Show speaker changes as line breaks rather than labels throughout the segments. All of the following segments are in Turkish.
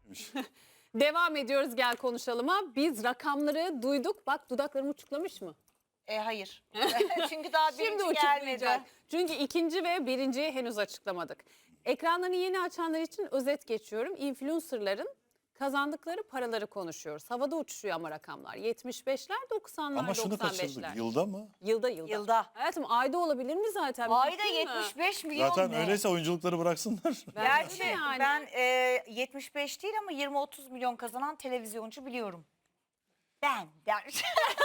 Devam ediyoruz gel konuşalıma. Biz rakamları duyduk. Bak dudaklarım uçuklamış mı?
Hayır. Çünkü daha
Şimdi
birinci
uçuklayacak.
gelmedi.
Çünkü ikinci ve birinciyi henüz açıklamadık. Ekranlarını yeni açanlar için özet geçiyorum. Influencerların kazandıkları paraları konuşuyoruz. Havada uçuşuyor ama rakamlar. 75'ler, 90'lar,
Ama şunu kaçırdık.
95'ler.
Yılda mı?
Yılda.
Yılda.
Hayatım ayda olabilir mi zaten?
Ayda
Mümkün mü?
75 milyon
Zaten
ne?
öyleyse oyunculukları bıraksınlar.
Gerçi
Yani.
ben 75 değil ama 20-30 milyon kazanan televizyoncu biliyorum. Ben der.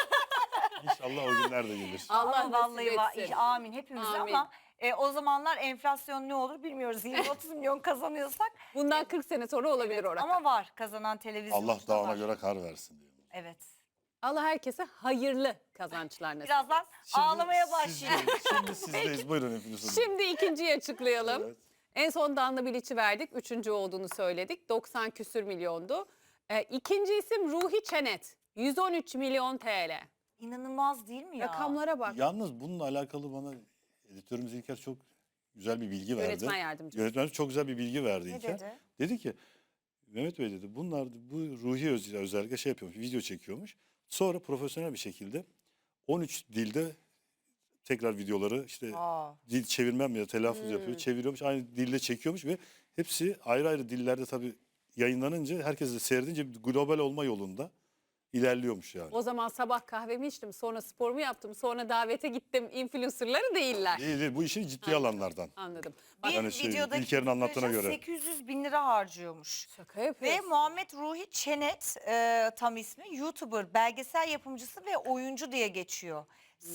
İnşallah o günler de gelir.
Allah
Ama vallahi
nasip etsin.
amin hepimize
Amin.
ama o zamanlar enflasyon ne olur bilmiyoruz. 20-30 milyon kazanıyorsak
Bundan 40 sene sonra olabilir o rakam.
ama var kazanan televizyoncu
Allah
da
dağına
var.
göre kar versin diyor.
Evet.
Allah herkese hayırlı kazançlar nasip.
Birazdan ağlamaya başlayacağım.
Şimdi sizdeyiz. Buyurun hepiniz.
Şimdi ikinciyi açıklayalım.
Evet.
En son Danla Bilic'i verdik. Üçüncü olduğunu söyledik. 90 küsür milyondu. İkinci isim Ruhi Çenet. 113 milyon TL.
İnanılmaz değil mi ya?
Rakamlara bak.
Yalnız bununla alakalı bana editörümüz İlker çok güzel bir bilgi verdi.
Yönetmen yardımcısı.
Yönetmen çok güzel bir bilgi verdi
Ne
İlker.
dedi?
Dedi ki Mehmet Bey dedi bu Ruhi özellikle şey yapıyormuş, video çekiyormuş. Sonra profesyonel bir şekilde 13 dilde tekrar videoları işte dil çevirmem ya telaffuz yapıyor, çeviriyormuş. Aynı dilde çekiyormuş ve hepsi ayrı ayrı dillerde tabii yayınlanınca herkes de seyredince global olma yolunda ilerliyormuş yani.
O zaman sabah kahvemi içtim, sonra sporumu yaptım, sonra davete gittim. Influencerları değiller.
Değil, bu işin ciddi alanlardan.
Anladım.
Bir
Yani şey,
videodaki
İlker'in anlattığına
röportajda
göre.
800 bin lira harcıyormuş.
Şaka
Ve
yapıyorsun.
Muhammed Ruhi Çenet tam ismi YouTuber, belgesel yapımcısı ve oyuncu diye geçiyor.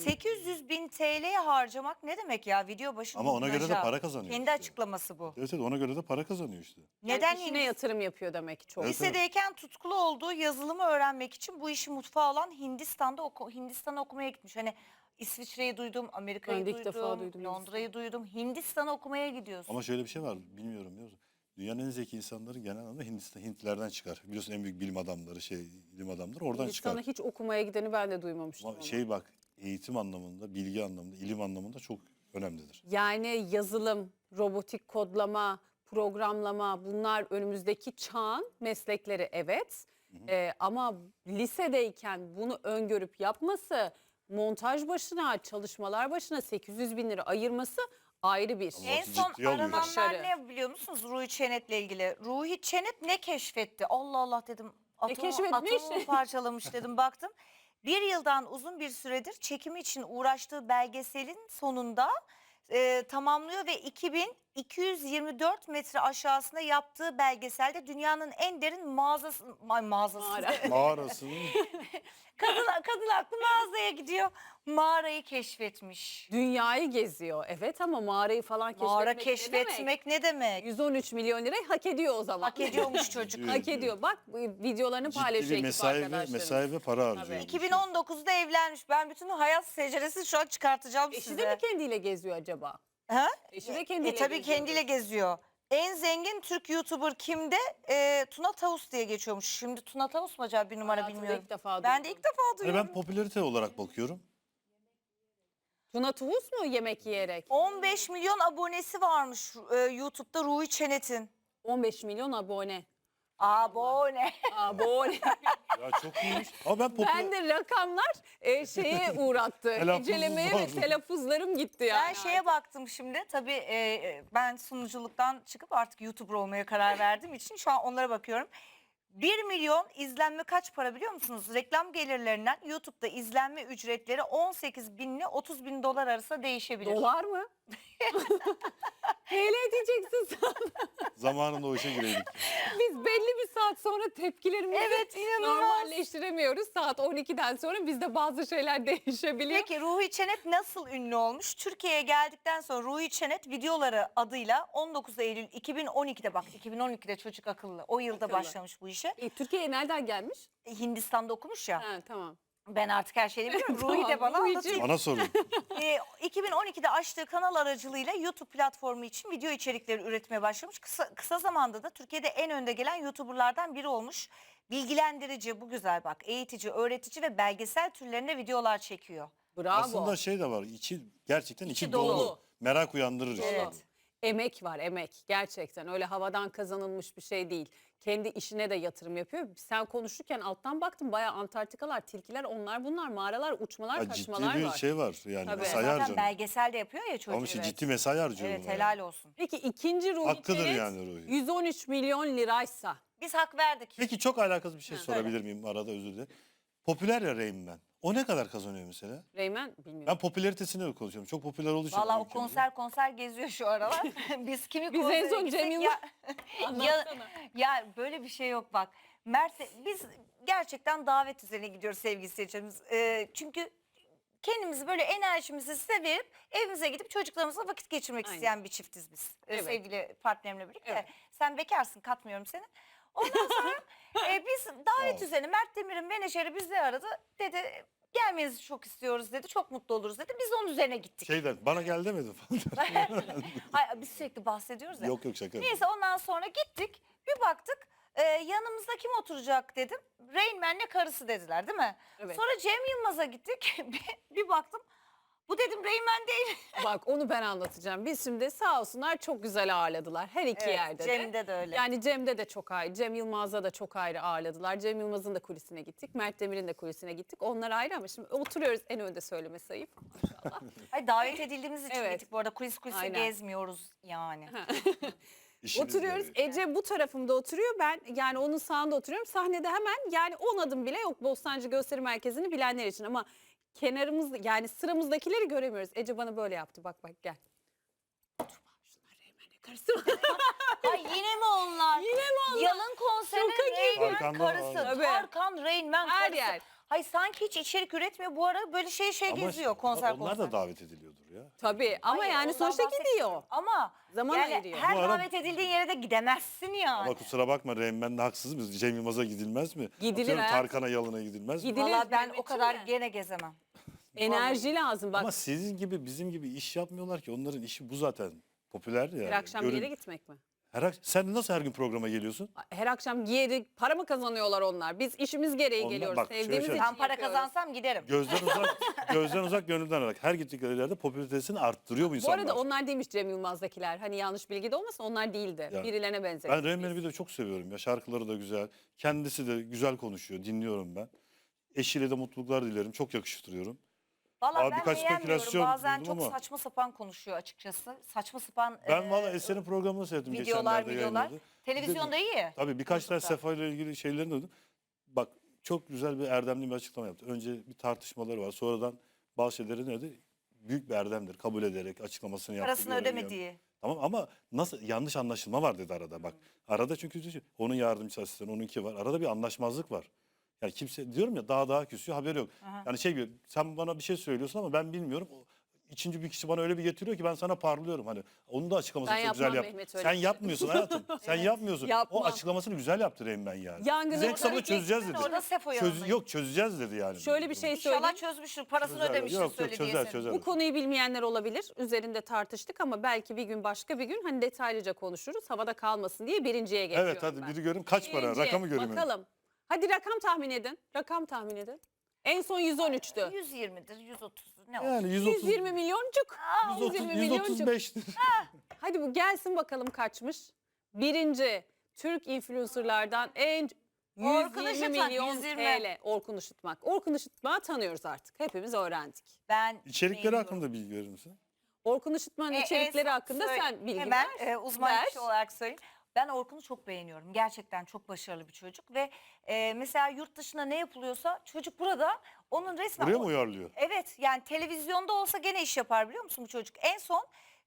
800 bin TL harcamak ne demek ya video başı
Ama ona göre de
dublajı.
para kazanıyor
Kendi
işte.
E,
açıklaması bu.
Evet, ona göre de para kazanıyor işte.
Neden
Yani işine yatırım yapıyor demek ki çok.
Evet.
Lisedeyken tutkulu olduğu yazılımı öğrenmek için bu işi mutfağı olan Hindistan'a okumaya gitmiş. Hani İsviçre'yi duydum, Amerika'yı
Ben de ilk defa duydum
Londra'yı duydum. Hindistan'a okumaya gidiyorsun.
Ama şöyle bir şey var, bilmiyorum biliyor musun? Dünyanın en zeki insanları genel anlamda Hintlilerden çıkar. Biliyorsun en büyük bilim adamları, ilim adamları oradan
Hindistan'a
çıkar.
hiç okumaya gideni ben de duymamıştım.
Ama
ama.
şey bak, eğitim anlamında, bilgi anlamında, ilim anlamında çok önemlidir.
Yani yazılım, robotik kodlama, programlama bunlar önümüzdeki çağın meslekleri evet. Ama lisedeyken bunu öngörüp yapması, montaj başına, çalışmalar başına 800 bin lira ayırması ayrı bir.
En
Vakti
son
ciddiye alıyor.
arananlar
Başarı.
ne biliyor musunuz Ruhi Çenet'le ilgili? Ruhi Çenet ne keşfetti? Allah Allah dedim.
keşfetmiş?
Atomu parçalamış dedim baktım. Bir yıldan uzun bir süredir çekimi için uğraştığı belgeselin sonunda tamamlıyor ve 2224 metre aşağısında yaptığı belgeselde dünyanın en derin mağazası.
Mağarasının
Kadın aklı mağazaya gidiyor. Mağarayı keşfetmiş.
Dünyayı geziyor evet ama mağarayı falan keşfetmek
Mağara
ne demek?
keşfetmek ne demek?
113 milyon lirayı hak ediyor o zaman.
Hak ediyormuş çocuk.
Hak ediyor. Bak bu videolarını
ciddi
paylaşıyor
bir
ekip
mesai
arkadaşlarımız.
ve para harcıyor.
Tabii.
2019'da evlenmiş. Ben bütün hayat seceresini şu an çıkartacağım
Eşi
size.
de mi kendiyle geziyor acaba?
Ha?
Eşi de kendiyle
Tabii
geziyor.
kendiyle geziyor. En zengin Türk YouTuber kimde? Tuna Tavus diye geçiyormuş. Şimdi Tuna Tavus mu acaba bir numara
Hayatımda
bilmiyorum.
ilk defa
Ben de
duydum.
ilk defa
Yani
duyuyorum.
ben popülarite olarak bakıyorum.
Tuna Tavus mu yemek yiyerek?
15 milyon abonesi varmış YouTube'da Ruhi Çenet'in.
15 milyon abone.
Abone.
Abone.
Ya çok iyiymiş. Ama ben
Ben de rakamlar şeye uğrattı.
Telaffuzum
İncelemeye ve
var.
telaffuzlarım gitti yani.
Ben şeye baktım şimdi. Tabii ben sunuculuktan çıkıp artık YouTuber olmaya karar verdiğim için şu an onlara bakıyorum. 1 milyon izlenme kaç para biliyor musunuz? Reklam gelirlerinden YouTube'da izlenme ücretleri 18 bin ile 30 bin dolar arasında değişebilir.
Dolar mı? TL diyeceksin sen.
zamanında o işe gireydik.
Biz belli bir saat sonra tepkilerimizi
Evet, inanılmaz.
normalleştiremiyoruz. Saat 12'den sonra bizde bazı şeyler değişebiliyor.
Peki Ruhi Çenet nasıl ünlü olmuş? Türkiye'ye geldikten sonra Ruhi Çenet videoları adıyla 19 Eylül 2012'de bak 2012'de çocuk akıllı o yılda
Akıllı.
başlamış bu işe.
Türkiye'ye nereden gelmiş?
Hindistan'da okumuş ya.
Ha, tamam.
Ben artık her şeyi biliyorum.
Tamam,
Ruhi de bana
Ruhi'cim.
anlatıyor.
Bana sorun.
2012'de açtığı kanal aracılığıyla YouTube platformu için video içerikleri üretmeye başlamış. Kısa zamanda da Türkiye'de en önde gelen YouTuber'lardan biri olmuş. Bilgilendirici, bu güzel bak, eğitici, öğretici ve belgesel türlerinde videolar çekiyor.
Bravo.
Aslında şey de var. Gerçekten içi
dolu.
dolu. Merak uyandırır işte.
Evet.
Emek var, emek. Gerçekten öyle havadan kazanılmış bir şey değil. Kendi işine de yatırım yapıyor. Sen konuşurken alttan baktım, bayağı Antarktikalar, tilkiler, onlar bunlar, mağaralar, uçmalar,
Ya ciddi
kaçmalar
bir
var.
şey var yani
Tabii.
mesai
Zaten
harcanıyor.
belgesel de yapıyor ya çocuk.
Ama işte
Evet.
ciddi mesai harcıyor.
Evet,
buna
helal
yani.
olsun.
Peki ikinci Ruhi
Hakkıdır
Çenet
yani Ruhi.
113 milyon liraysa.
Biz hak verdik.
Peki çok alakasız bir şey
Ha,
sorabilir miyim arada, özür dilerim. Popüler ya Rain Man. O ne kadar kazanıyor mesela?
Reymen bilmiyorum.
Ben popülaritesini konuşuyorum. Çok popüler olduğu için.
Valla o
ülkemizde.
konser geziyor şu aralar. Biz kimi
Biz en
konsere
son
gitsek
Cem
ya,
Yılmaz-
ya,
Anlatsana.
ya böyle bir şey yok bak. Biz gerçekten davet üzerine gidiyoruz sevgili seyircilerimiz. Çünkü kendimizi böyle enerjimizi size verip evimize gidip çocuklarımızla vakit geçirmek
Aynen.
isteyen bir çiftiz biz.
Evet.
Sevgili partnerimle birlikte.
Evet.
Sen bekarsın, katmıyorum seni. Ondan sonra biz davet
Sağ ol.
üzerine Mert Demir'in menajeri bizi aradı. Dedi gelmenizi çok istiyoruz dedi. Çok mutlu oluruz dedi. Biz de onun üzerine gittik.
Şeyden bana gel demedin falan.
Hayır, biz sürekli bahsediyoruz ya.
Yok yok şaka.
Neyse ondan sonra gittik. Bir baktık yanımızda kim oturacak dedim. Rain Man'le karısı dediler değil mi?
Evet.
Sonra Cem Yılmaz'a gittik. bir baktım. Bu dedim Rain Man değil.
Bak onu ben anlatacağım. Biz şimdi sağ olsunlar çok güzel ağırladılar. Her iki yerde de.
Cem'de de öyle.
Yani Cem'de de çok ayrı. Cem Yılmaz'da da çok ayrı ağırladılar. Cem Yılmaz'ın da kulisine gittik. Mert Demir'in de kulisine gittik. Onlar ayrı ama şimdi oturuyoruz, en önde söylemesi ayıp. Maşallah.
Ay, davet edildiğimiz için
Evet.
gittik bu arada. Kulise
Aynen.
gezmiyoruz yani.
İşiniz
Oturuyoruz.
gereği.
Ece bu tarafımda oturuyor. Ben yani onun sağında oturuyorum. Sahnede hemen yani 10 adım bile yok Bostancı Gösteri Merkezi'ni bilenler için ama kenarımız yani sıramızdakileri göremiyoruz. Ece bana böyle yaptı. Bak bak gel. Oturma. Şunlar Reymen'le karısı mı?
Ay yine mi onlar?
Yine mi onlar?
Yalın konserin
Şoka
Rain Man
Tarkan'da
karısı.
var.
Tabii.
Tarkan Rain Man
Her
karısı.
yer.
Hayır sanki hiç içerik üretmiyor. Bu ara böyle şey
Ama
geziyor konser
onlar da davet ediliyordur ya.
Tabii ama
Hayır,
yani
ondan
sonuçta
bahsetmiyorum.
gidiyor.
Ama
Zaman
yani
ayırıyor.
her
Bu ara-
davet edildiğin yere de gidemezsin yani.
Ama kusura bakma Rain Man'de haksız mıyız? Cem Yılmaz'a gidilmez mi?
Gidilir
Atıyorum
hayatım.
Tarkan'a, Yalın'a gidilmez mi?
Gidilir.
Valla ben
benim
o kadar
için de.
gene gezemem.
Enerji lazım bak.
Ama sizin gibi bizim gibi iş yapmıyorlar ki. Onların işi bu zaten. Popüler yani.
Her akşam bir
Görün-
yere gitmek mi?
Sen nasıl her gün programa geliyorsun?
Her akşam giyerek para mı kazanıyorlar onlar? Biz işimiz gereği
Onlar-
geliyoruz.
bak, şöyle
Sevdiğimiz
şöyle.
için
Ben para
yapıyoruz.
kazansam giderim.
Gözden uzak gönülden arak. Her gittikleri yerde popülaritesini arttırıyor bu
Bu
insanlar.
arada onlar değilmiş Cem Yılmaz'dakiler. Hani yanlış bilgi de olmasın, onlar değildi.
Ya,
Birilerine benzemiş.
Ben Rain Man'i bir de çok seviyorum ya. Şarkıları da güzel. Kendisi de güzel konuşuyor. Dinliyorum ben. Eşiyle de mutluluklar dilerim. Çok yakıştırıyorum.
Valla
Abi
ben
birkaç
beğenmiyorum.
spekülasyon
Bazen
duydum
çok
ama-
saçma sapan konuşuyor açıkçası. Saçma sapan
Ben valla Eser'in programını seyrettim
videolar.
geçenlerde yayınladı.
Televizyonda iyi.
Tabii birkaç tane
YouTube'da.
Sefa ile ilgili şeylerini duydum. Bak çok güzel bir erdemli bir açıklama yaptı. Önce bir tartışmaları var. Sonradan bazı şeyleri ne dedi? Büyük bir erdemdir. Kabul ederek açıklamasını yaptı.
Parasını
görevi yaptı.
ödemediği.
Tamam ama nasıl yanlış anlaşılma var dedi arada bak. Arada çünkü onun yardımcısı asistanı, onunki var. Arada bir anlaşmazlık var. Yani kimse diyorum ya daha küsüyor, haberi yok.
Aha.
Yani şey gibi sen bana bir şey söylüyorsun ama ben bilmiyorum. İkinci bir kişi bana öyle bir getiriyor ki ben sana parlıyorum. Hani onun da açıklamasını
Ben
çok güzel
yapmam
yap.
Mehmet, öyle
Sen
bir şey.
yapmıyorsun hayatım. Sen yapmıyorsun.
Yapmam.
O açıklamasını güzel yaptı Rain Man yani.
Yangını
Biz en kısa bunu
orada
çözeceğiz dedi.
Orada Sefo yanında.
Yok çözeceğiz dedi yani.
Şöyle bir şey söyleyeyim.
İnşallah çözmüştür. Parasını
Çözer.
ödemiştir
Yok,
söylediği
çözer,
senin.
çözer.
Bu konuyu bilmeyenler olabilir. Üzerinde tartıştık ama belki bir gün başka bir gün hani detaylıca konuşuruz. Havada kalmasın diye birinciye geçiyorum
Evet hadi
ben.
biri görün kaç para
Birinci,
rakamı görün.
Bakalım. Hadi rakam tahmin edin. Rakam tahmin edin. En son 113'tü.
120'dir, 130'dur ne olur.
Yani 130,
120 milyoncuk. 120 milyoncu.
135'tir.
Hadi bu gelsin bakalım kaçmış. Birinci Türk influencerlardan en
Orkun
120
Işıtmak,
milyon
120.
TL. Orkun Işıtmak. Orkun Işıtmak'ı tanıyoruz artık. Hepimiz öğrendik.
Ben
İçerikleri
beğeniyorum.
hakkında bilgi verir misin?
Orkun Işıtmak'ın içerikleri
en son
hakkında sen bilgi
hemen,
ver.
uzman
ver.
kişi olarak söyleyeyim. Ben Orkun'u çok beğeniyorum. Gerçekten çok başarılı bir çocuk ve mesela yurt dışında ne yapılıyorsa çocuk burada onun resmen...
Buraya mı uyarlıyor?
Evet yani televizyonda olsa gene iş yapar biliyor musun bu çocuk? En son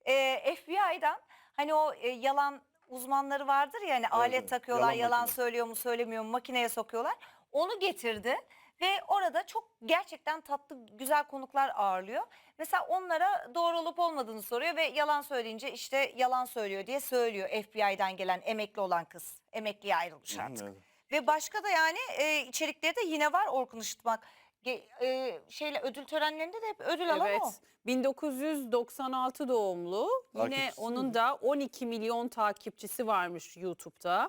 FBI'dan hani o yalan uzmanları vardır ya hani alet
evet.
takıyorlar
Yalan
yalan
makine.
söylüyor mu söylemiyor mu makineye sokuyorlar. Onu getirdi ve orada çok gerçekten tatlı güzel konuklar ağırlıyor. Mesela onlara doğru olup olmadığını soruyor ve yalan söyleyince işte yalan söylüyor diye söylüyor FBI'den gelen emekli olan kız. Emekliye ayrılmış artık.
Evet.
Ve başka da yani içerikleri de yine var Orkun Işıtmak. Ödül törenlerinde de hep ödül alan
Evet.
o.
1996 doğumlu. Yine
Takipçisi
onun
mi?
da 12 milyon takipçisi varmış YouTube'da.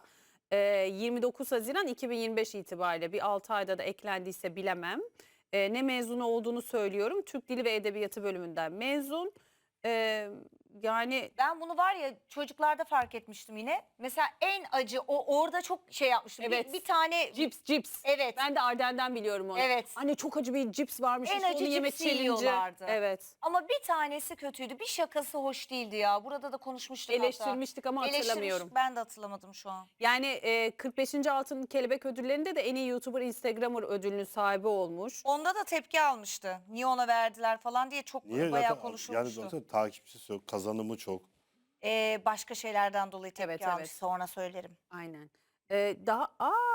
29 Haziran 2025 itibariyle bir 6 ayda da eklendiyse bilemem. Ne mezunu olduğunu söylüyorum. Türk Dili ve Edebiyatı bölümünden mezun. yani
Ben bunu var ya çocuklarda fark etmiştim yine. Mesela en acı orada çok şey yapmıştım.
Evet.
Bir tane
cips.
evet.
Ben de Arden'den biliyorum onu.
Evet.
Anne çok acı bir cips varmış.
En
işte
acı
onu yeme
cipsi
challenge'ı.
yiyorlardı.
Evet.
Ama bir tanesi kötüydü. Bir şakası hoş değildi ya. Burada da konuşmuştuk hatta.
Eleştirmiştik ama hatırlamıyorum.
Ben de hatırlamadım şu an.
Yani 45. Altın Kelebek ödüllerinde de en iyi YouTuber Instagramer ödülünün sahibi olmuş.
Onda da tepki almıştı. Niye ona verdiler falan diye çok
Niye?
bayağı
Zaten
konuşulmuştu.
yani zaten takipçisi yok, kazanımı çok.
Başka şeylerden dolayı tepki
Evet,
almış.
evet.
Sonra söylerim.
Aynen. Daha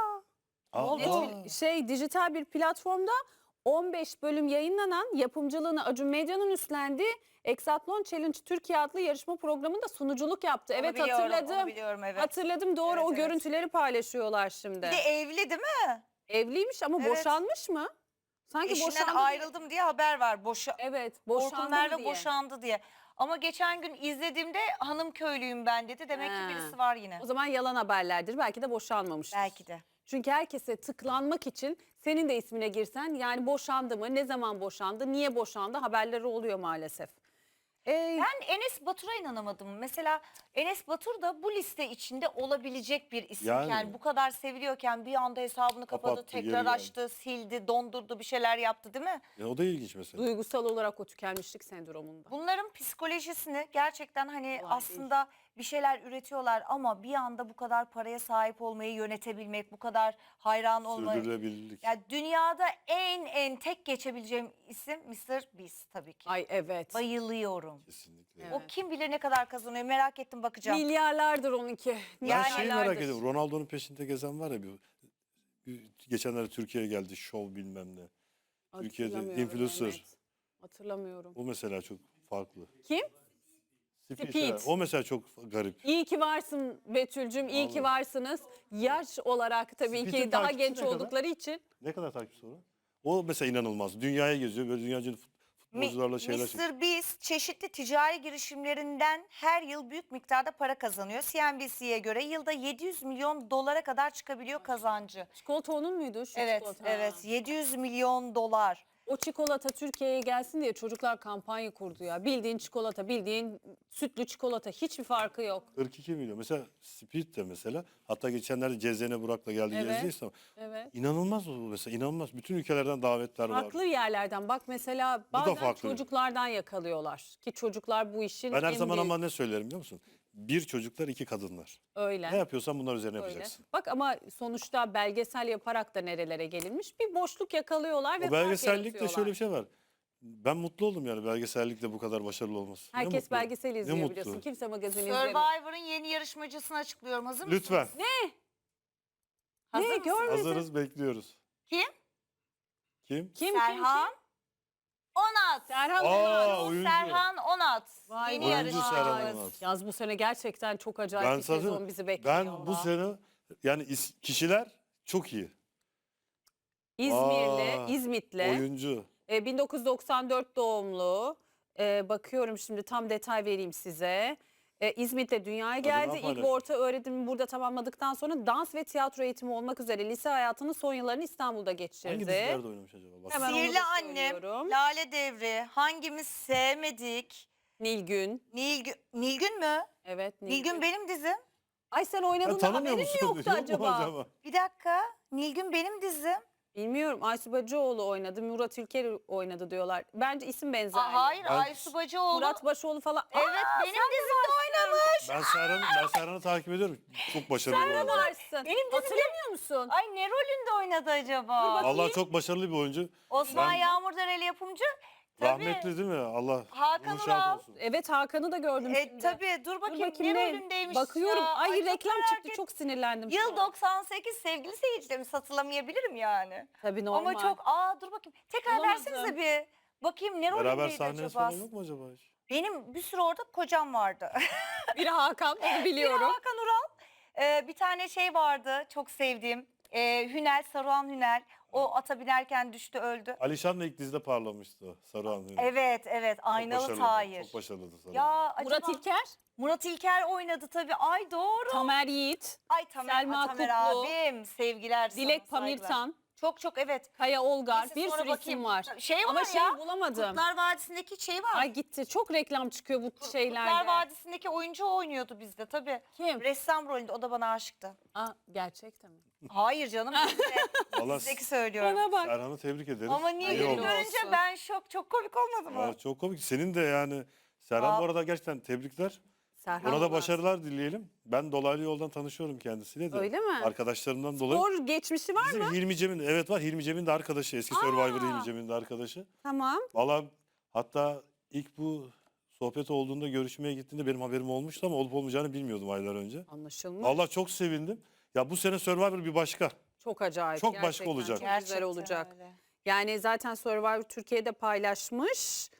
Aa,
dijital bir platformda 15 bölüm yayınlanan, yapımcılığını Acun Medya'nın üstlendiği Exatlon Challenge Türkiye adlı yarışma programında sunuculuk yaptı.
Onu
Evet,
biliyorum,
hatırladım.
Onu biliyorum evet.
Hatırladım, doğru.
Evet,
O
evet.
görüntüleri paylaşıyorlar şimdi.
Bir de evli değil mi?
Evliymiş ama
Evet.
boşanmış mı? Sanki
Eşinden
boşandı diye.
ayrıldım diye haber var.
Evet,
Orkun
boşandı
Merve
mı diye.
boşandı diye. Ama geçen gün izlediğimde hanım köylüyüm ben dedi. Demek
Ha.
ki birisi var yine.
O zaman yalan haberlerdir. Belki de boşanmamıştır.
Belki de.
Çünkü herkese tıklanmak için senin de ismine girsen, yani boşandı mı, ne zaman boşandı, niye boşandı haberleri oluyor maalesef.
Ben Enes Batur'a inanamadım. Mesela Enes Batur da bu liste içinde olabilecek bir isimken,
Yani.
bu kadar seviliyorken bir anda hesabını kapadı,
Kapattı,
tekrar
geri geldi.
açtı, sildi, dondurdu, bir şeyler yaptı değil mi?
O da ilginç mesela.
Duygusal olarak o tükenmişlik sendromunda.
Bunların psikolojisini gerçekten hani
Kolay
aslında bir şeyler üretiyorlar ama bir anda bu kadar paraya sahip olmayı yönetebilmek, bu kadar hayran olmayı.
Sürdürülebilirlik.
Ya dünyada en tek geçebileceğim isim Mr. Beast tabii ki.
Ay evet.
Bayılıyorum.
Kesinlikle.
Evet.
O kim bilir ne kadar kazanıyor, merak ettim, bakacağım.
Milyarlardır onunki.
Ben
Yani-
şeyi merak
Milyarlardır.
ediyorum. Ronaldo'nun peşinde gezen var ya geçenlerde Türkiye'ye geldi şov bilmem ne. Türkiye'de
Hatırlamıyorum
influencer.
Mehmet. Hatırlamıyorum.
O mesela çok farklı.
Kim?
Speed,
Speed.
evet. O mesela çok garip.
İyi ki varsın Betül'cüm, iyi ki
Vallahi.
varsınız. Yaş olarak tabii
Speed'in
ki daha
takipçisi
genç
ne kadar?
oldukları için.
Ne kadar takipçisi var? O mesela inanılmaz. Dünyaya geziyor. Böyle dünyacı futbolcularla şeyler çekiyor.
Mr. Beast çeşitli ticari girişimlerinden her yıl büyük miktarda para kazanıyor. CNBC'ye göre yılda 700 milyon dolara kadar çıkabiliyor kazancı.
Çikolata onun muydu? Şu
Evet,
çikolata.
evet. 700 milyon dolar.
O çikolata Türkiye'ye gelsin diye çocuklar kampanya kurdu ya. Bildiğin çikolata, bildiğin sütlü çikolata, hiçbir farkı yok.
42 milyon. Mesela Speed de mesela. Hatta geçenlerde Cezene Burak'la geldi
Evet.
gezdi İstanbul.
Evet.
İnanılmaz o mesela. İnanılmaz. Bütün ülkelerden davetler
Farklı
var.
yerlerden bak mesela
da
bazen
farklı.
çocuklardan yakalıyorlar. Ki çocuklar bu işin
Ben her
en
zaman
büyük-
ama ne söylerim biliyor musun? Bir çocuklar, iki kadınlar.
öyle.
Ne yapıyorsan bunlar üzerine
Öyle.
yapacaksın.
Bak ama sonuçta belgesel yaparak da nerelere gelinmiş. Bir boşluk yakalıyorlar ve
O
fark
belgesellikte
yaratıyorlar.
şöyle bir şey var. Ben mutlu oldum yani belgesellikle bu kadar başarılı olması. Ne
Herkes
mutlu.
belgesel
Ne
izliyor
mutlu.
biliyorsun. Kimse magazin izlemiyor.
Survivor'ın yeni yarışmacısını açıklıyorum. Hazır mısınız?
Lütfen.
Hazır
Ne
mısınız?
görmedim.
Hazırız, bekliyoruz.
Kim?
Kim?
Serhan Onat.
Serhan
Aa,
Onat.
oyuncu.
Serhan Onat.
Vay
Yeni
vay
Oyuncu
vay.
Serhan
yarışmacımız.
Onat.
Yaz bu sene gerçekten çok acayip
Ben
bir sezon
zaten
bizi bekliyor.
ben bu
valla.
sene yani kişiler çok iyi.
İzmirli,
Aa,
İzmitli.
Oyuncu.
1994 doğumlu. Bakıyorum şimdi tam detay vereyim size. İzmit'te dünyaya geldi. İlk ve
paylaşmış.
orta öğrenimi burada tamamladıktan sonra dans ve tiyatro eğitimi olmak üzere lise hayatının son yıllarını İstanbul'da geçirdi.
Hangi dizilerde oynamış acaba? Bak.
Hemen onu
Sihirli
da
Annem,
söylüyorum.
Lale Devri, hangimiz sevmedik?
Nilgün.
Nilgün mü?
Evet
Nilgün benim dizim.
Ay sen
Sen
oynadığında
tanımıyor
haberin mi
musun?
yoktu
Yok mu
acaba?
Bir dakika. Nilgün benim dizim.
Bilmiyorum. Aysu Bacıoğlu oynadı. Murat Ülker oynadı diyorlar. Bence isim benzerliği.
Hayır,
Ben-
Aysu Bacıoğlu.
Murat Başoğlu falan.
Evet, benim dizimde oynamış.
Ben Serhan'ı takip ediyorum. Çok başarılı bir
Sen de
oyuncu.
varsın.
Benim dizimde-
Hatırlamıyor musun?
Ay ne rolünde oynadı acaba?
Allah çok başarılı bir oyuncu.
Osman
Ben-
Yağmurdereli yapımcı. Tabii.
Rahmetli değil mi? Allah
Hakan
ruhu şad
Ural.
olsun.
Evet, Hakan'ı da gördüm şimdi.
Tabii dur
Dur
bakayım,
bakayım
ne rolündeymiş
Bakıyorum.
ya.
Ay,
çok
reklam
merak
çıktı.
ettim.
Çok sinirlendim. şu
Yıl
an.
98 sevgili seyircilerimiz, hatırlamayabilirim yani.
Tabii normal.
Ama çok dur bakayım. Tekrar
Bulamadım.
versenize bir. Bakayım ne
Beraber
rolündeydi
sahneniz
acaba?
falan yok mu acaba hiç?
Benim bir sürü orada kocam vardı.
Biri Hakan, onu
Biri
biliyorum.
Hakan Ural. Bir tane şey vardı çok sevdiğim. Hünel, Saruhan Hünel. O ata binerken düştü, öldü.
Alişan'la ilk dizide parlamıştı o. Saruhan.
Evet,
Çok
Aynalı
başarılı,
Tahir.
Çok başarılıydı Saruhan.
Ya
Murat
acaba
İlker,
Murat İlker oynadı tabii. Ay doğru.
Tamer Yiğit,
Ay Tamer,
Selma
Tamer
Kutlu,
abim. Sevgiler sana,
Dilek
saygılar.
Pamirtan.
Çok evet.
Kaya Olgar,
Neyse,
bir
sonra
sürü
bakayım.
isim var.
Şey var
Ama
ya.
şey bulamadım.
Kurtlar Vadisi'ndeki şey var.
Ay gitti. Çok reklam çıkıyor bu şeylerde.
Kurtlar Vadisi'ndeki oyuncu oynuyordu bizde tabii.
Kim?
Ressam rolünde, o da bana aşıktı.
Aa, gerçekten mi?
Hayır canım,
Vallahi
bizdeki söylüyorum.
Bana bak.
Serhan'ı tebrik ederiz.
Ama niye
İyi
beni
olmuş.
görünce
olsun.
ben şok, çok komik olmadı mı?
Aa, çok komik. Senin de yani Serhan
Aa.
bu arada gerçekten tebrikler.
Serhan
Ona da
Olmaz.
başarılar dileyelim. Ben dolaylı yoldan tanışıyorum kendisiyle de.
Öyle mi?
Arkadaşlarımdan dolayı.
Spor geçmişi var
Bizim
mı?
Hilmi Cem'in, evet var, Hilmi Cem'in de arkadaşı. Eski Survivor Hilmi Cem'in de arkadaşı.
Tamam.
Valla hatta ilk bu sohbet olduğunda, görüşmeye gittiğinde benim haberim olmuştu ama olup olmayacağını bilmiyordum aylar önce.
Anlaşılmış.
Valla çok sevindim. Ya bu sene Survivor bir başka.
Çok acayip.
Çok başka
gerçekten.
olacak.
Çok güzel
Gerçekten
olacak.
öyle.
Yani zaten Survivor Türkiye'de paylaşmış.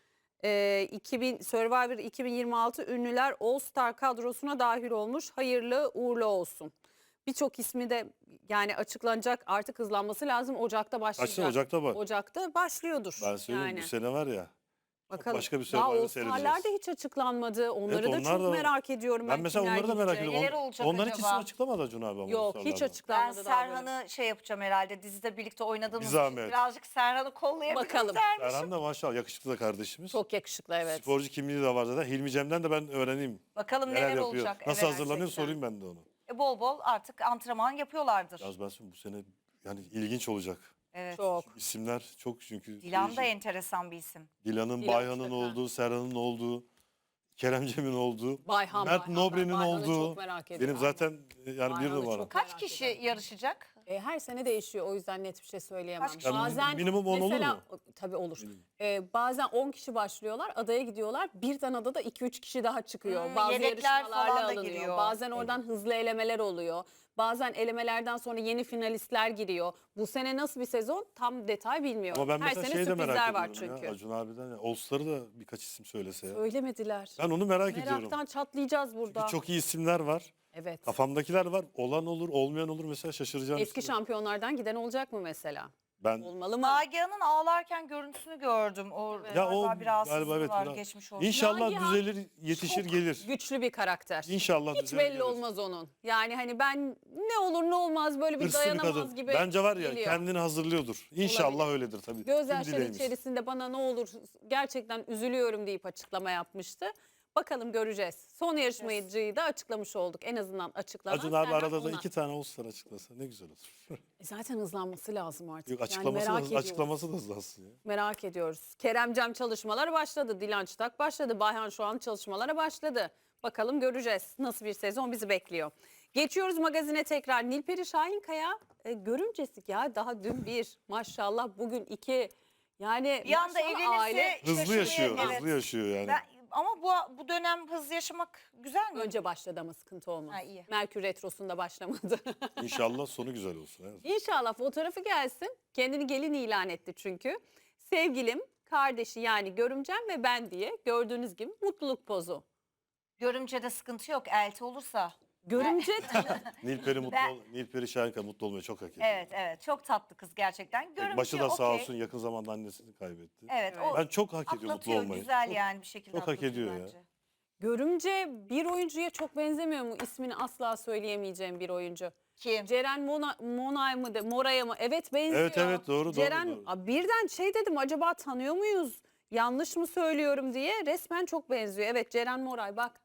2000 Survivor 2026 ünlüler All Star kadrosuna dahil olmuş. Hayırlı uğurlu olsun. Birçok ismi de yani açıklanacak, artık hızlanması lazım. Ocak'ta başlayacak.
Kaçta Ocak'ta bak.
Ocak'ta başlıyordur.
Ben söyleyeyim
yani.
bu sene var ya.
Bakalım.
başka bir
Daha
Survivor
All Star'lar
seyredeceğiz.
da hiç açıklanmadı. Onları da
onlar
çok
da-
merak ediyorum.
Ben mesela
kimler
onları da merak
gidecek.
ediyorum.
Neler olacak
Onların hiç
acaba?
ismi açıklamadı Acun abi ama.
Yok
bu
hiç
sıralarda.
Ben
açıklanmadı daha böyle.
Serhan'ı şey yapacağım herhalde, dizide birlikte oynadığımız
Bir
için
zahmet.
birazcık Serhan'ı kollayabilirim
Bakalım.
dermişim.
Serhan da maşallah yakışıklı da kardeşimiz.
Çok yakışıklı evet.
Sporcu kimliği de var zaten. Hilmi Cem'den de ben öğreneyim.
Bakalım
Neler
neler
yapıyor.
olacak.
Nasıl
Evet,
hazırlanıyor
gerçekten.
sorayım ben de onu.
Bol bol artık antrenman yapıyorlardır.
Yalnız ben söyleyeyim bu sene yani ilginç olacak.
Evet.
Çok.
İsimler çok çünkü.
Dilan da
değişik.
enteresan bir isim.
Dilan'ın,
Dilan
Bayhan'ın
mutlaka.
olduğu, Serhan'ın olduğu, Kerem Cem'in olduğu,
Bayhan,
Mert
Bayhan,
Nobre'nin
Bayhan'ı
olduğu.
çok merak ediyorum.
Benim zaten yani bir
Bayhan'ı
numara.
çok-
Kaç
Merak
kişi
ederim.
yarışacak?
Her sene değişiyor, o yüzden net bir şey söyleyemem.
Kaç kişi?
Bazen
Minimum 10 olur
mesela,
mu?
Tabii olur. Bazen 10 kişi başlıyorlar, adaya gidiyorlar. Birden adada 2-3 kişi daha çıkıyor. Bazı
yedekler
yarışmalarla
falan da
alınıyor.
giriyor.
Bazen oradan hızlı elemeler oluyor. Bazen elemelerden sonra yeni finalistler giriyor. Bu sene nasıl bir sezon tam detay bilmiyorum.
Ama ben
Her
mesela
sene
şey de
sürprizler
merak
var
ediyorum
çünkü.
ya. Acun abiden ya. All Star'ı da birkaç isim söylese ya.
Söylemediler.
Ben onu merak ediyorum.
Meraktan çatlayacağız burada.
Çünkü çok iyi isimler var.
Evet.
Kafamdakiler var. Olan olur, olmayan olur. Mesela şaşıracağım.
Eski şampiyonlardan giden olacak mı mesela?
Ben
Olmalı mı?
Nagihan'ın ağlarken görüntüsünü gördüm. O
ya
galiba
o
bir rahatsızlığı
galiba evet.
var,
biraz-
geçmiş olsun.
İnşallah
Nagihan
düzelir, yetişir,
Çok
gelir.
güçlü bir karakter.
İnşallah
Hiç
düzelir,
belli
gelir.
olmaz onun. Yani hani ben ne olur ne olmaz böyle bir
Hırslı bir
dayanamaz
kadın.
gibi
Bence var ya
geliyor.
kendini hazırlıyordur. İnşallah
Olabilir.
öyledir tabii.
Gözyaşları
Tüm dileğimiz.
içerisinde bana ne olur gerçekten üzülüyorum deyip açıklama yapmıştı. Bakalım göreceğiz. Son yarışmacıyı da açıklamış olduk. En azından açıklanan
Acun abi
Serhan
arada da
Onan.
2 tane All Star açıklasa ne güzel olur.
Zaten hızlanması lazım artık.
Yok,
Yani
açıklaması,
merak
da,
ediyoruz.
açıklaması da hızlansın ya.
Merak ediyoruz. Keremcem çalışmaları başladı. Dilan Çıtak başladı. Bayhan şu an çalışmalara başladı. Bakalım göreceğiz. Nasıl bir sezon bizi bekliyor. Geçiyoruz magazine tekrar. Nilperi Şahinkaya görümcesik ya. Daha dün bir. Maşallah bugün iki. Yani
Bir anda
maşallah
evlenirse
aile
Hızlı
şaşırmaya-
yaşıyor,
evet.
hızlı yaşıyor yani.
Ama bu dönem hızlı yaşamak güzel mi?
önce başladı ama sıkıntı olmaz.
Ha, iyi.
Merkür Retrosu'nda başlamadı.
İnşallah sonu güzel olsun. Evet.
İnşallah fotoğrafı gelsin. Kendini gelin ilan etti çünkü. Sevgilim, kardeşi yani görümcem ve ben diye gördüğünüz gibi mutluluk pozu.
Görümcede sıkıntı yok, elti olursa.
Görümce
Nilperi mutlu
Ben-
Nilperi Şahinkaya mutlu olmayı çok hak ediyor.
Evet çok tatlı kız gerçekten. Görümce
Başı da sağ
okey.
olsun, yakın zamanda annesini kaybetti.
Evet,
Evet.
o
Ben çok hak ediyor mutlu
atlatıyor
olmayı.
güzel
Çok-
yani bir şekilde
çok hak
atlatıyor
ediyor ya.
bence.
Görümce bir oyuncuya çok benzemiyor mu? İsmini asla söyleyemeyeceğim bir oyuncu.
Kim?
Ceren Monay mı de Moray'a mı? Evet benziyor.
Evet, doğru,
Ceren,
doğru.
Aa, birden şey dedim acaba tanıyor muyuz? Yanlış mı söylüyorum diye resmen çok benziyor. Evet Ceren Moray bak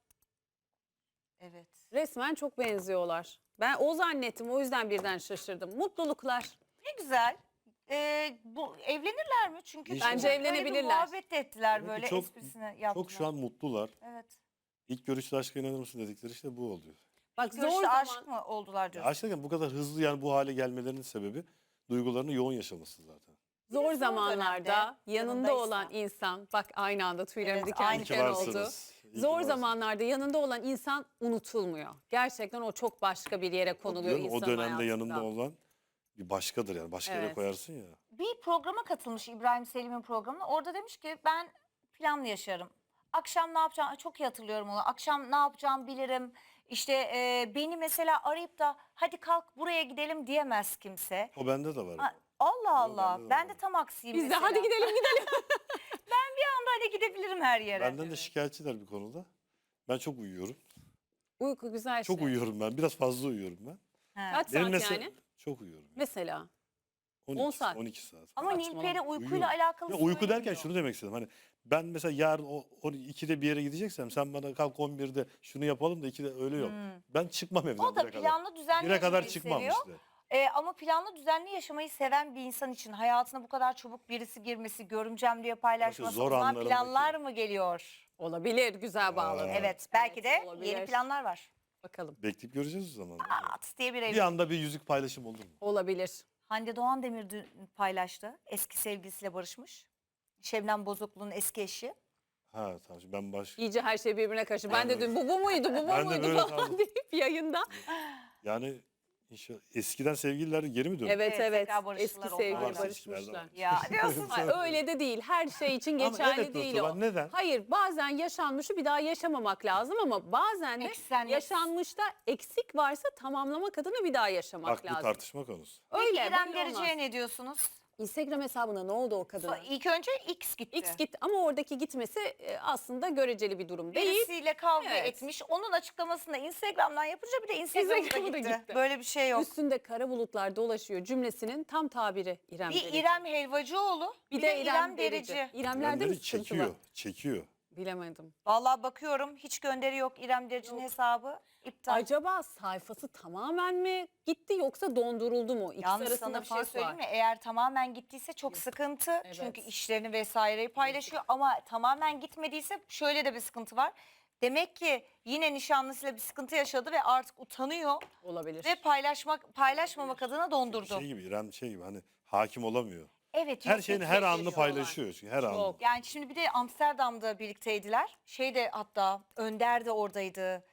Evet.
resmen çok benziyorlar. Ben o zannettim o yüzden birden şaşırdım. Mutluluklar.
Ne güzel. Bu evlenirler mi? Çünkü
İnşallah.
Bence
öyle bir
evlenebilirler.
muhabbet de ettiler
Evet,
böyle,
çok-
esprisini yaptılar.
Çok şu an mutlular.
Evet.
İlk görüşte aşka inanır mısın dedikleri işte bu oluyor.
Bak zor
Görüşte
zaman.
aşık mı oldular
Ya
diyorsun?
aşk derken bu kadar hızlı yani bu hale gelmelerinin sebebi duygularını yoğun yaşaması zaten.
Zor
zor
zamanlarda
dönemde
yanında
yanındaysa.
olan insan bak aynı anda tüylerim
Evet,
diken
aynı
İyi ki
diken oldu.
varsınız. İyi ki
Zor
varsınız.
zamanlarda yanında olan insan unutulmuyor. Gerçekten o çok başka bir yere konuluyor
Diyorum,
insanın
o dönemde
hayatında.
yanında olan bir başkadır yani. Başka yere
Evet.
koyarsın ya.
Bir programa katılmış, İbrahim Selim'in programına. Orada demiş ki ben planlı yaşarım. Akşam ne yapacağım? Ay, çok iyi hatırlıyorum onu. Akşam ne yapacağım bilirim. İşte beni mesela arayıp da hadi kalk buraya gidelim diyemez kimse.
O bende de var.
Ha, Allah Allah.
bende de
Ben
var.
de tam aksiyim
Biz de
mesela.
hadi gidelim gidelim.
Hadi gidebilirim her yere.
Benden de şikayetçiler bir konuda. Ben çok uyuyorum.
Uyku güzel
Çok
şey.
uyuyorum ben. Biraz fazla uyuyorum ben.
He.
Kaç
Benim
saat
mesela
yani?
çok uyuyorum.
Mesela
12,
10 saat.
12 saat.
Ama
falan.
Nilperi uykuyla
Uyuyor.
alakalı
Ya uyku derken
söylemiyor.
şunu demek istedim. Hani ben mesela yarın 12'de bir yere gideceksem sen bana kalk 11'de şunu yapalım da 2'de öyle yok. Ben çıkmam evden
O da
1'e kadar.
planlı düzenli
1'e kadar
yaşamayı
çıkmam
seviyor.
işte.
Ama planlı düzenli yaşamayı seven bir insan için hayatına bu kadar çabuk birisi girmesi, görümcem diye paylaşması,
zor
o zaman
anlarındaki-
planlar mı geliyor?
Olabilir, güzel bağladın.
Evet, belki de
olabilir.
yeni planlar var.
Bakalım.
Bekleyip göreceğiz o zaman.
At diye bir
Bir
evlilik.
anda bir yüzük paylaşım olur mu?
Olabilir.
Hande Doğan Demir dün paylaştı. Eski sevgilisiyle barışmış. Şebnem Bozoklu'nun eski eşi.
Ha tamam şimdi ben
İyice her şey birbirine karıştı. Ben de
Ben de-
dün bu muydu, bu
Ben de
muydu
böyle
falan
kaldım.
deyip yayında.
Yani inşallah eskiden sevgililer geri mi döndü?
Evet
Evet,
evet.
tekrar barıştılar
Eski
onlar.
sevgili
Varsa ilişkilerde
barışmışlar.
var.
Ya diyorsun.
Hayır, öyle de değil. Her şey için
Ama
geçerli
evet
değil
Nurtuban,
o.
neden?
Hayır, bazen yaşanmışı bir daha yaşamamak lazım ama bazen de
Eksenlik.
yaşanmışta eksik varsa tamamlamak adına bir daha yaşamak
Bak bu
lazım.
tartışma konusu.
Öyle
Peki İrem
böyle olmaz.
Derici'ye ne diyorsunuz?
Instagram hesabına ne oldu o kadına?
İlk önce X gitti.
X gitti ama oradaki gitmesi aslında göreceli bir durum değil.
Birisiyle kavga
Evet.
etmiş. Onun açıklamasını da Instagram'dan yapınca bir de Instagram'a
Instagram'a da
gitti.
gitti.
Böyle bir şey yok.
Üstünde kara bulutlar dolaşıyor cümlesinin tam tabiri İrem
Bir
Derici.
İrem Helvacıoğlu, bir de İrem Derici.
İremlerde mi
Yerleri
sıkıntı
çekiyor,
var?
çekiyor.
Bilemedim.
Vallahi bakıyorum hiç gönderi yok. İrem Derici'nin hesabı iptal.
Acaba sayfası tamamen mi gitti yoksa donduruldu mu? İkisi
Yalnız
arasında
sana bir şey
fark
söyleyeyim
var.
mi? Eğer tamamen gittiyse çok sıkıntı.
Evet.
Çünkü işlerini vesaireyi paylaşıyor. Ama tamamen gitmediyse şöyle de bir sıkıntı var. Demek ki yine nişanlısıyla bir sıkıntı yaşadı ve artık utanıyor
Olabilir.
ve paylaşmamak adına dondurdu.
Şey gibi İrem şey gibi hani hakim olamıyor.
Evet.
Her
yok,
şeyini
yok,
her
yok,
anını
yok.
paylaşıyor çünkü her anını.
Çok.
Yani şimdi bir de Amsterdam'da birlikteydiler. Hatta Önder de oradaydı.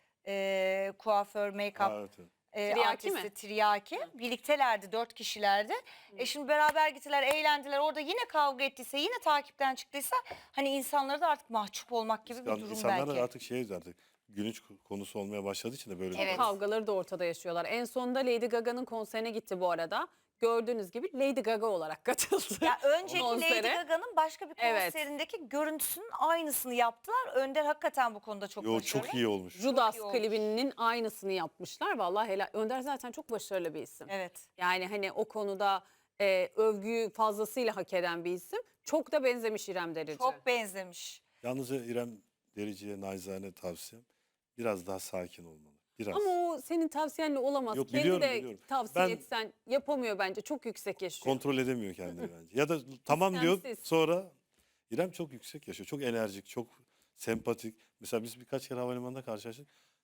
Kuaför, make-up
Ha, evet, evet.
Tiryaki
artisti,
mi?
Tiryaki. Birliktelerdi, 4 kişilerdi. Şimdi beraber gittiler, eğlendiler. Orada yine kavga ettiyse, yine takipten çıktıysa hani insanlara da artık mahcup olmak gibi bir durum
İnsanlar
belki.
artık artık gülünç konusu olmaya başladığı için de böyle
Evet.
Kavgaları da ortada yaşıyorlar. En sonunda Lady Gaga'nın konserine gitti bu arada. Gördüğünüz gibi Lady Gaga olarak katıldı.
Ya önceki Lady
konsere.
Gaga'nın başka bir
Evet.
konserindeki görüntüsünün aynısını yaptılar. Önder hakikaten bu konuda çok
Yo
başarılı.
çok iyi olmuş.
Judas
iyi olmuş.
klibinin aynısını yapmışlar. Vallahi helal. Önder zaten çok başarılı bir isim.
Evet.
Yani hani o konuda övgüyü fazlasıyla hak eden bir isim. Çok da benzemiş İrem Derici.
Çok benzemiş.
Yalnız İrem Derici'ye naçizane tavsiyem biraz daha sakin olmalı. Biraz.
Ama o senin tavsiyenle olamaz.
Yok,
Kendi
biliyorum,
de
biliyorum.
tavsiye
Ben-
etsen yapamıyor bence. Çok yüksek yaşıyor.
Kontrol edemiyor kendini bence. Ya da tamam diyor
İstemsiz.
sonra İrem çok yüksek yaşıyor. Çok enerjik, çok sempatik. Mesela biz birkaç kere havalimanında karşılaştık.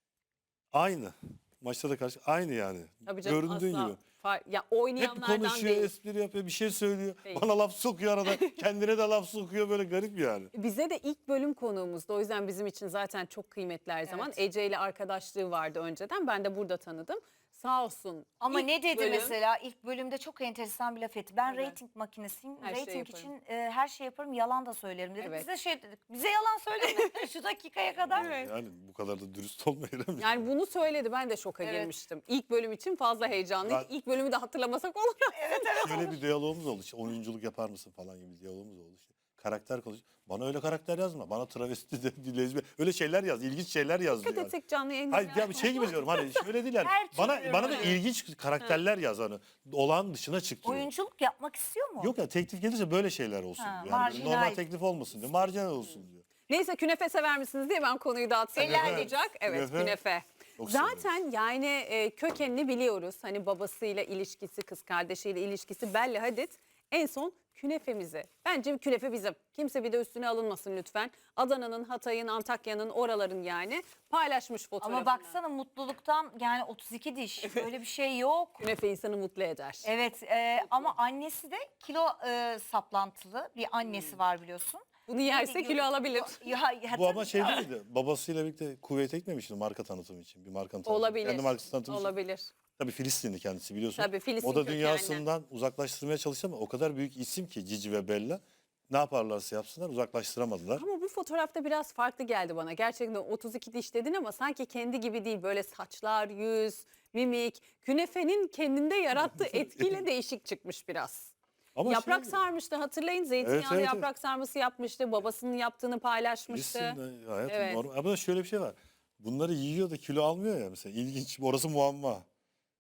Aynı. Maçta da aynı yani.
Tabii canım,
Göründüğün
asla
gibi.
ya
Hep
oynayanlardan
konuşuyor,
değil.
espri yapıyor, bir şey söylüyor.
Değil.
Bana laf sokuyor arada. Kendine de laf sokuyor böyle garip yani.
Bize de ilk bölüm konuğumuzdu. O yüzden bizim için zaten çok kıymetli her zaman.
Evet.
Ece ile arkadaşlığı vardı önceden. Ben de burada tanıdım. Sağ olsun.
Ama
İlk
ne dedi
bölüm-
mesela ilk bölümde çok enteresan bir laf etti. Ben
Evet.
reyting makinesiyim.
Her şeyi
Reyting
yaparım.
için her şey yaparım, yalan da söylerim dedi.
Evet.
Bize şey dedik. Bize yalan söyleme şu dakikaya kadar.
Yani bu kadar da dürüst olma İrem.
Yani bunu söyledi. Ben de şoka
Evet.
girmiştim. İlk bölüm için fazla heyecanlıyım.
Ben-
İlk bölümü de hatırlamasak olur.
Şöyle bir diyalogumuz oldu. İşte oyunculuk yapar mısın falan gibi bir diyalogumuz oldu. İşte karakter konuş. Bana öyle karakter yazma. Bana travesti de lezbiyen. Öyle şeyler yaz. İlginç şeyler yaz diyor.
Dikkat
Yani.
etsek canlı yayında.
Hayır ya bir şey gibi diyorum. Hani şöyle değil yani.
Her
Bana
türlü
bana da
rolü.
ilginç karakterler yaz hani. Olağan dışına çık diyor.
Oyunculuk yapmak istiyor mu?
Yok ya teklif gelirse böyle şeyler olsun
Ha,
diyor. Yani böyle
marjinal.
normal teklif olmasın diyor. Marjinal olsun diyor.
Neyse künefe sever misiniz diye ben konuyu dağıtsam iyi
Helal.
olacak. Evet
Künefe.
künefe.
Çok
Zaten yani kökenini biliyoruz. Hani babasıyla ilişkisi, kız kardeşiyle ilişkisi Bella Hadid en son künefemizi. Bence bir künefe bizim. Kimse bir de üstüne alınmasın lütfen. Adana'nın, Hatay'ın, Antakya'nın oraların yani paylaşmış fotoğrafını.
Ama baksana mutluluktan yani 32 diş. Böyle bir şey yok.
Künefe insanı mutlu eder.
Evet ama annesi de kilo saplantılı bir annesi var biliyorsun.
Bunu yerse kilo alabilir.
Bu ama şey değil miydi? Babasıyla birlikte Kuveyt'e gitmemişti marka tanıtımı için. Bir markanın tanıtımı.
Olabilir.
Kendi markası tanıtımı için.
Olabilir.
Tabii Filistinli kendisi biliyorsun.
Tabii, Filistin
O da
kökenli.
dünyasından uzaklaştırmaya çalıştı ama o kadar büyük isim ki Cici ve Bella. Ne yaparlarsa yapsınlar uzaklaştıramadılar.
Ama bu fotoğrafta biraz farklı geldi bana. Gerçekten 32 diş dedin ama sanki kendi gibi değil. Böyle saçlar, yüz, mimik. Künefenin kendinde yarattığı etkiyle değişik çıkmış biraz.
Ama
Yaprak
şey-
sarmıştı hatırlayın. Zeytinyağlı
evet,
yaprak sarması yapmıştı. Babasının yaptığını paylaşmıştı.
Filistin'de hayatım
Evet.
normal. Ama şöyle bir şey var. Bunları yiyor da kilo almıyor ya mesela. İlginç. Orası muamma.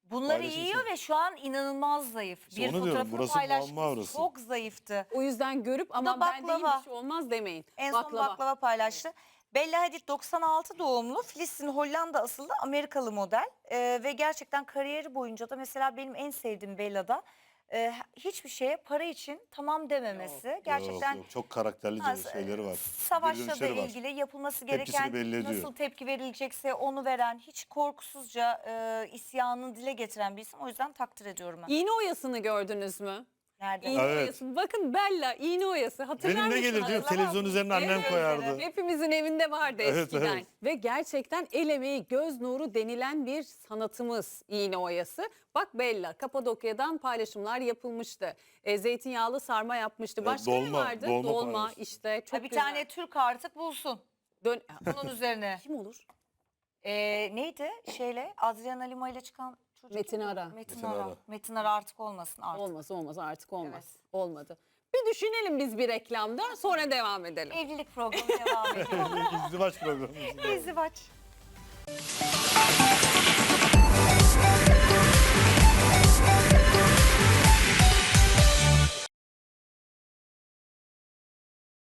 Bunları
Paylaşım
yiyor
için.
ve şu an inanılmaz zayıf.
İşte
Bir
onu diyorum,
fotoğrafını
burası
paylaşmış.
muamma orası.
Çok zayıftı.
O yüzden görüp
da
ama ben değilim
baklava.
bir şey olmaz demeyin.
En son baklava paylaştı. Bella Hadid 96 doğumlu, Filistin Hollanda asıllı Amerikalı model. Ve gerçekten kariyeri boyunca da mesela benim en sevdiğim Bella'da hiçbir şeye para için tamam dememesi. Gerçekten
Yok, çok karakterli şeyleri var. Geri
savaşla da
dönüşleri var.
ilgili yapılması
Tepkisini
gereken
belli ediyor.
nasıl tepki verilecekse onu veren, hiç korkusuzca isyanını dile getiren bir isim. O yüzden takdir ediyorum ben.
İğne oyasını gördünüz mü?
Nerede?
İğne
Evet.
oyası. Bakın Bella iğne oyası. Hatırlar
Benim ne
mısınız?
gelir diyor, televizyon üzerine annem
Evet,
koyardı.
Hepimizin evinde vardı
Evet,
eskiden.
evet.
Ve gerçekten el emeği, göz nuru denilen bir sanatımız iğne oyası. Bak Bella, Kapadokya'dan paylaşımlar yapılmıştı. Zeytinyağlı sarma yapmıştı.
Evet,
Başka ne
dolma,
vardı?
dolma paylaşım.
işte çok
Bir
güzel.
tane Türk artık bulsun
Dön
bunun üzerine.
Kim olur?
Neydi Adriana Lima ile çıkan çocuk?
Metin
kimdi?
Ara.
Metin
Metin
Ara.
Ara.
Metin Ara artık olmasın artık.
Olmaz artık olmaz.
Evet.
Olmadı. Bir düşünelim biz bir reklamda sonra devam edelim.
Evlilik programı devam ediyor.
İzdivaç programı.
İzdivaç.